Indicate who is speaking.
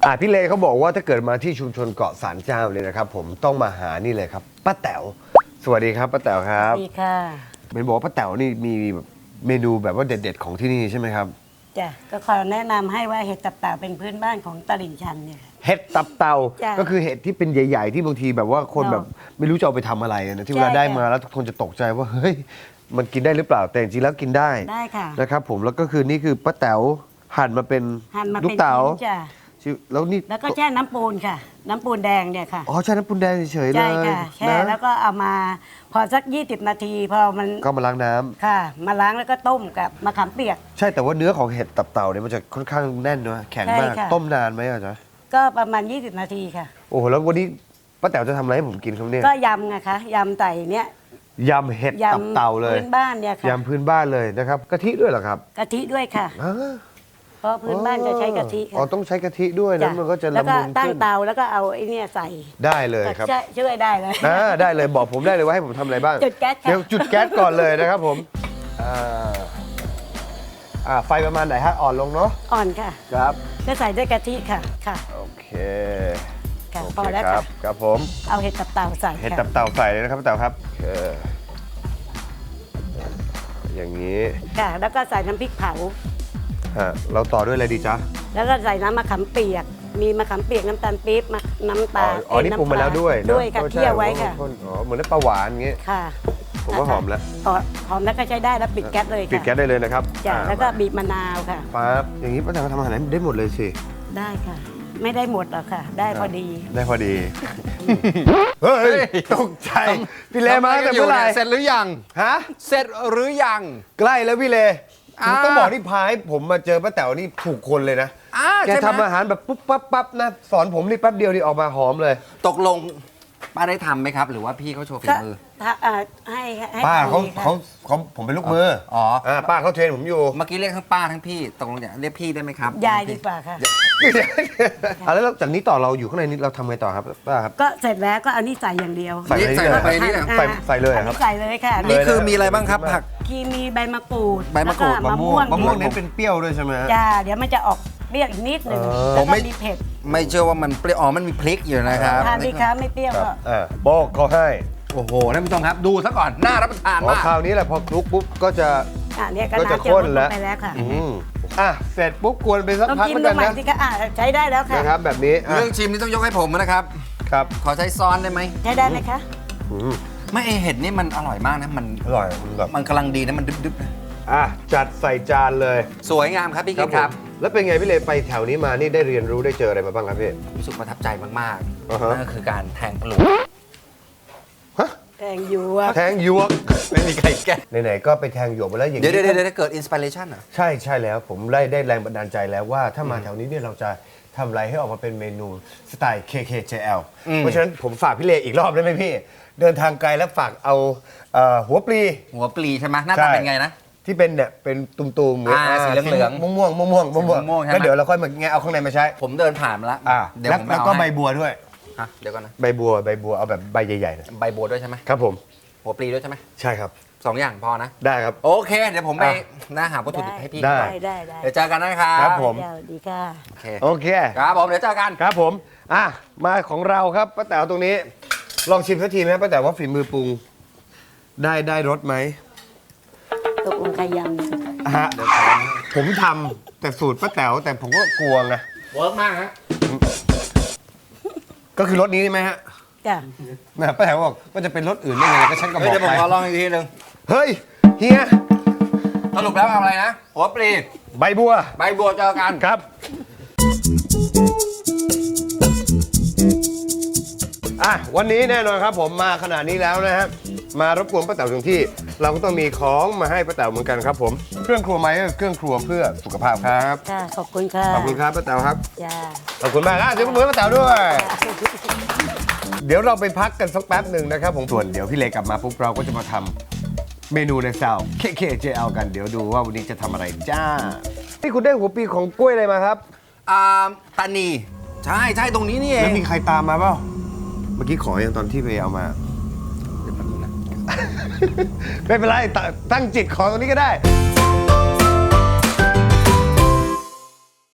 Speaker 1: พี่เลเขาบอกว่าถ้าเกิดมาที่ชุมชนเกาะสารเจ้าเลยนะครับผมต้องมาหานี่เลยครับป้าแต๋วสวัสดีครับป้าแต๋วครับ
Speaker 2: ดีค่ะ
Speaker 1: เป็นบอกว่าป้าแต๋วนี่มีเมนูแบบว่าเด็ดๆของที่นี่ใช่ไหมครับ
Speaker 2: จ้ะก็ขอแนะนำให้ว่าเห็ดตับเต่าเป็นพื้นบ้านของตลิ่งชันเนี่ยค่ะ
Speaker 1: เห็ดตับเต่า
Speaker 2: จ้ะ
Speaker 1: ก็คือเห็ดที่เป็นใหญ่ ๆ ที่บางทีแบบว่าคนแบบไม่รู้จะเอาไปทำอะไรนะที่เวลา
Speaker 2: ใช่
Speaker 1: ได้มา
Speaker 2: ค่ะ
Speaker 1: แล้วทุกคนจะตกใจว่าเฮ้ยมันกินได้หรือเปล่าแต่จริงๆแล้วกินได้
Speaker 2: ได้ค่ะ
Speaker 1: นะครับผมแล้วก็คือนี่คือป้าแต๋วหั่นมาเป็น
Speaker 2: หั่นมา
Speaker 1: ลู
Speaker 2: เป็
Speaker 1: ก
Speaker 2: น
Speaker 1: เต๋า
Speaker 2: ชิ้นจ้ะ
Speaker 1: แล้วนี่
Speaker 2: แล้วก็แช่น้ำปูนค่ะ น้ำปูนแดงเนี่ยค่ะ
Speaker 1: อ๋อใช่น้ำปูนแดงเฉยๆเล
Speaker 2: ใช่
Speaker 1: ย
Speaker 2: ค่ะแช่
Speaker 1: นะ
Speaker 2: แล้วก็เอามาพอสัก20 นาทีพอมัน
Speaker 1: ก็มาล้างน้ำ
Speaker 2: ค่ะ มาล้างแล้วก็ต้มกับมะขามเปียก
Speaker 1: ใช่แต่ว่าเนื้อของเห็ดตับเต่าเนี่ยมันจะค่อนข้างแน่นนะแข็งมาก
Speaker 2: ใช่ค่ะ
Speaker 1: ต้มนานไหมอาจารย์
Speaker 2: ก็ประมาณ20 นาทีค่ะ
Speaker 1: โอ้โหแล้ววันนี้ป้าแต๋วจะทำอะไรให้ผมกินครับเนี่ย
Speaker 2: ก็ยำไงคะยำใส่เนี้ย
Speaker 1: ยำเห็ด
Speaker 2: ย
Speaker 1: ตับเต่าเลย
Speaker 2: ำพื้นบ้านเนี่ยค่ะ
Speaker 1: ยำพื้นบ้านเลยนะครับกะทิด้วยเหรอครับ
Speaker 2: กะทิด้วยค่ะ
Speaker 1: อ่า
Speaker 2: เพราะพื้นบ้านจะใช้กะทิ
Speaker 1: อ๋อ
Speaker 2: ค่ะ
Speaker 1: ต้องใช้กะทิด้วยนะมันก็จะ
Speaker 2: แล้ว
Speaker 1: ละ
Speaker 2: ก็
Speaker 1: มุน
Speaker 2: ตั้ง
Speaker 1: ขึ้น
Speaker 2: เตาแล้วก็เอาไอ้เนี่ยใส่
Speaker 1: ได้เลยครับ
Speaker 2: ก็ช่วยได้เลย
Speaker 1: ได้เลยบอกผมได้เลยว่าให้ผมทำอะไรบ้าง
Speaker 2: จุดแก๊สค่ะ
Speaker 1: เดี๋ยวจุดแก๊สก่อนเลยนะครับผมไฟประมาณไหนฮะอ่อนลงเนาะ
Speaker 2: อ่อนค่ะ
Speaker 1: ครับ
Speaker 2: ก็ใส่ด้วยกะทิค่ะค่ะ
Speaker 1: โอเค
Speaker 2: ค่ะ
Speaker 1: โอเค
Speaker 2: พอแล้ว
Speaker 1: ครั
Speaker 2: ค่ะ
Speaker 1: บครับผม
Speaker 2: เอาเห็ดตับเต่าใส่
Speaker 1: เห็ด
Speaker 2: ค่ะ
Speaker 1: ตับเต่าใส่เลยนะครับป้าแต๋วครับอย่างนี้
Speaker 2: ค่ะ แล้วก็ใส่น้ำพริกเผา
Speaker 1: เราต่อด้วยอะไรดีจ๊ะ
Speaker 2: แล้วก็ใส่น้ำมะขามเปียก มีมะขามเปียกน้ำตาลปี๊บน้ำตาล
Speaker 1: อ๋อนี่ปรุงมาแล้วด้วยเนอะ
Speaker 2: ด้วยค่ะ
Speaker 1: ก็ใช่
Speaker 2: เคี่ยวไว้ค่ะ
Speaker 1: อ๋อเหมือนน้ำปลาหวานอย่างงี้
Speaker 2: ค่ะ
Speaker 1: ผมว่าหอมแล้ว
Speaker 2: หอมแล้วก็ใช้ได้แล้วปิดแก๊สเลยค่ะ
Speaker 1: ปิดแก๊สได้เลยนะครับ
Speaker 2: จ้ะแล้วก็บีบมะนาวค่ะ
Speaker 1: ปั๊บอย่างนี้ป้าแต๋วทำอาหารได้หมดเลยสิ
Speaker 2: ได้ค่ะ ไม่ได้หมดหรอกค่ะ ได้พอดี
Speaker 1: ได้พอดี เฮ้ยตกใจพี่เลมาตั้งแต่เมื่อไหร่
Speaker 3: เสร็จหรือยัง
Speaker 1: ฮะ
Speaker 3: เสร็จหรือยัง
Speaker 1: ใกล้แล้วพี่เล
Speaker 3: อ่า
Speaker 1: ต้องบอกที่พาให้ผมมาเจอป้าแต๋วนี่ถูกคนเลยนะแก
Speaker 3: ใช่ไหม
Speaker 1: ทำอาหารแบบปุ๊บปั๊บปั๊บนะสอนผมนี่แป๊บเดียวนี่ออกมาหอมเลย
Speaker 3: ตกลงป้าได้ทำไหมครับ หรือว่าพี่เขาโชว์ฝี
Speaker 2: ก็
Speaker 3: มือ
Speaker 2: ให้
Speaker 1: ป้าเขา
Speaker 2: ทำดีค่ะ
Speaker 1: เขาผมเป็นลูกมือ
Speaker 3: อ๋อ
Speaker 1: ป้าเขาเทรนผมอยู่
Speaker 3: เมื่อกี้เรียกทั้งป้าทั้งพี่ตกลงจะเรียกพี่ได้ไหมครับ
Speaker 2: ยายดีกว่าค่ะ
Speaker 1: แล้วจากนี้ต่อเราอยู่ข้างในนี้เราทำไงต่อครับป้าครับ
Speaker 2: ก็เสร็จแล้วก็เอานี่ใส่อย่างเดียว
Speaker 1: ใส่
Speaker 3: นี่ใส่ลงไปนี่แหละ
Speaker 1: ใส่เลยเหรอครับ
Speaker 2: ใส่เลยค่ะ
Speaker 3: นี่คือมีอะไรบ้างครับผัก
Speaker 2: มีใบมะกรูด
Speaker 3: ใบมะกรูด
Speaker 2: แล้วมะม่วง
Speaker 1: มะม่วงเน้นเป็นเปรี้ยวด้วยใช่ไหมฮะ
Speaker 2: จ้าเดี๋ยวมันจะออกเปรี้ยวอีกนิดหนึ่ง
Speaker 1: ผม
Speaker 2: แล้วก็มีเผ็ด
Speaker 3: ไม่เชื่อว่ามันเปรี้ยวอ๋อมันมีพริกอยู่นะครับ
Speaker 2: ทานดีคะไม่เปรี้ยว
Speaker 1: ครับ
Speaker 2: ก็
Speaker 1: บอกเขาให้
Speaker 3: โอ้โหท่านผู้ชมครับดูซะก่อนน่ารับประทาน
Speaker 1: พอ
Speaker 3: มาก
Speaker 1: คราวนี้แหละพอคลุกปุ๊บก็จะ
Speaker 2: เนี่ยก็
Speaker 1: ก็จะ
Speaker 2: น้ำ
Speaker 1: ข้น
Speaker 2: ล
Speaker 1: แล้ว
Speaker 2: งไปแล้วค่ะ
Speaker 1: เสร็จปุ๊บกวนไปสัก
Speaker 2: ต้อง
Speaker 1: พัก
Speaker 2: กิน
Speaker 1: เหมือน
Speaker 2: ดู
Speaker 1: กัน
Speaker 2: ใหม่
Speaker 1: นะ
Speaker 2: สิคะใช้ได้แล้วค่ะ
Speaker 1: นะครับแบบนี้
Speaker 3: เรื่องชิมนี่ต้องยกให้ผมนะครับ
Speaker 1: ครับ
Speaker 3: ขอใช้ซ้อนได้ไหม
Speaker 2: ใช้ได้ไหมคะ
Speaker 1: อืม
Speaker 3: ไม่เห็ดนี่มันอร่อยมากนะมัน
Speaker 1: อร่อยแบบ
Speaker 3: มันกำลังดีนะมันดึบๆนะ
Speaker 1: จัดใส่จานเลย
Speaker 3: สวยงามครับพี่กิ๊กครับ
Speaker 1: ผมแล้วเป็นไงพี่เลไปแถวนี้มานี่ได้เรียนรู้ได้เจออะไรมาบ้างครับพี่
Speaker 3: รู้สึกประทับใจมาก
Speaker 1: อ่า
Speaker 3: ๆ
Speaker 1: ฮะ
Speaker 3: นั่นก็คือการแทงปลวก
Speaker 2: แกงหยวก
Speaker 1: แทงหยวก
Speaker 3: ไม่มีใครแก้
Speaker 1: ไหนๆก็ไปแทงหยวกมาแล้วอย่าง
Speaker 3: เดี๋ยว
Speaker 1: นี้
Speaker 3: เดี๋ยวเกิดอินสปิเรชันอ่ะ
Speaker 1: ใช่แล้วผมได้แรงบันดาลใจแล้วว่าถ้ามาแถวนี้เนี่ยเราจะทำอะไรให้ออกมาเป็นเมนูสไตล์ KKJL เพราะฉะนั้นผมฝากพี่เลอีกรอบได้ไหมพี่ เดินทางไกลแล้วฝากเอาหัวปลี
Speaker 3: หัวปลีใช่ไหมหน้าตาเป็นไงนะ
Speaker 1: ที่เป็นเนี่ยเป็นตุ่มๆ
Speaker 3: สีเหลืองๆ
Speaker 1: ม่วงๆ
Speaker 3: ใช่ไหม
Speaker 1: แล้วเดี๋ยวเราค่อยมาแงะเอาข้างในมาใช้
Speaker 3: ผมเดินผ่านมาแล้วเดี๋ยวผม
Speaker 1: แล้ว
Speaker 3: เอา
Speaker 1: ก็ใบ
Speaker 3: ให้
Speaker 1: บัวด้วย
Speaker 3: ฮะเดี๋ยวก่อนนะ
Speaker 1: ใบบัวเอาแบบใบใหญ่ๆนะ
Speaker 3: ใบบัวด้วยใช่ไหม
Speaker 1: ครับผม
Speaker 3: หัวปลีด้วยใช่ไหม
Speaker 1: ใช่ครับ
Speaker 3: สองอย่างพอนะ
Speaker 1: ได้ครับ
Speaker 3: โอเค เดี๋ยวผมไป
Speaker 1: อ่ะ
Speaker 3: นะหาวัตถุดิบให้พี่
Speaker 1: ได้
Speaker 2: ได้
Speaker 3: เดี๋ยวเจอกันนะครับ
Speaker 1: ครับผม
Speaker 2: เดี๋ยวดีค่ะ
Speaker 3: โอเค
Speaker 1: โอเค
Speaker 3: ครับผมเดี๋ยวเจอกัน
Speaker 1: ครับผมมาของเราครับป้าแต๋วตรงนี้ ลองชิมสักทีไหมป้าแต๋วว่าฝีมือปรุงได้รสไหม
Speaker 2: ตกลงใครยำ
Speaker 1: ฮะผมทำแต่สูตรป้าแต๋วแต่ผมก็กลัวไง
Speaker 3: เวิร์กมากฮะ
Speaker 1: ก็คือรสนี้ใช่ไหมฮะ
Speaker 2: จ้ะ
Speaker 1: นะป้าแต๋วบอกว่าจะเป็นรสอื่นได้ยังไงก็ฉันก็บ
Speaker 3: เฮ้ย
Speaker 1: อก
Speaker 3: เดี๋ยวผม
Speaker 1: ไป
Speaker 3: ขอลองอีกทีหนึง
Speaker 1: เฮ้ยเฮีย
Speaker 3: สรุปแล้วเอาอะไรนะ หัวปลี
Speaker 1: ใบบัว
Speaker 3: ใบบัวเจอกัน
Speaker 1: ครับวันนี้แน่นอนครับผมมาขนาดนี้แล้วนะฮะมารบกวนป้าแต๋วถึงที่ เราก็ต้องมีของมาให้ป้าแต๋วเหมือนกันครับผมเครื่องครัวไหมเครื่องครัวเพื่อสุขภาพครับ
Speaker 2: ค่ะขอบคุณค่ะ
Speaker 1: ขอบคุณครับป้าแต๋วครับ
Speaker 2: จ้า
Speaker 1: ขอบคุณมากเดี๋ยวมือป้าแต๋วด้วย เดี๋ยวเราไปพักกันสักแป๊บหนึ่งนะครับผมส่วนเดี๋ยวพี่เลกลับมาปุ๊บเราก็จะมาทำเมนูในซาว KKJL กันเดี๋ยวดูว่าวันนี้จะทำอะไรจ้านี่คุณได้หัวปีของกล้วยอะไรมาครับ
Speaker 3: ตานีใช่ตรงนี้นี่เอ
Speaker 1: แล้ว
Speaker 3: ง
Speaker 1: มีใครตามมาเปล่าเมื่อกี้ขออย่างตอนที่ไปเอามา
Speaker 3: เดี๋ยวแป๊บนึงนะ
Speaker 1: ไม่เป็นไรตั้งจิตขอตรงนี้ก็ได้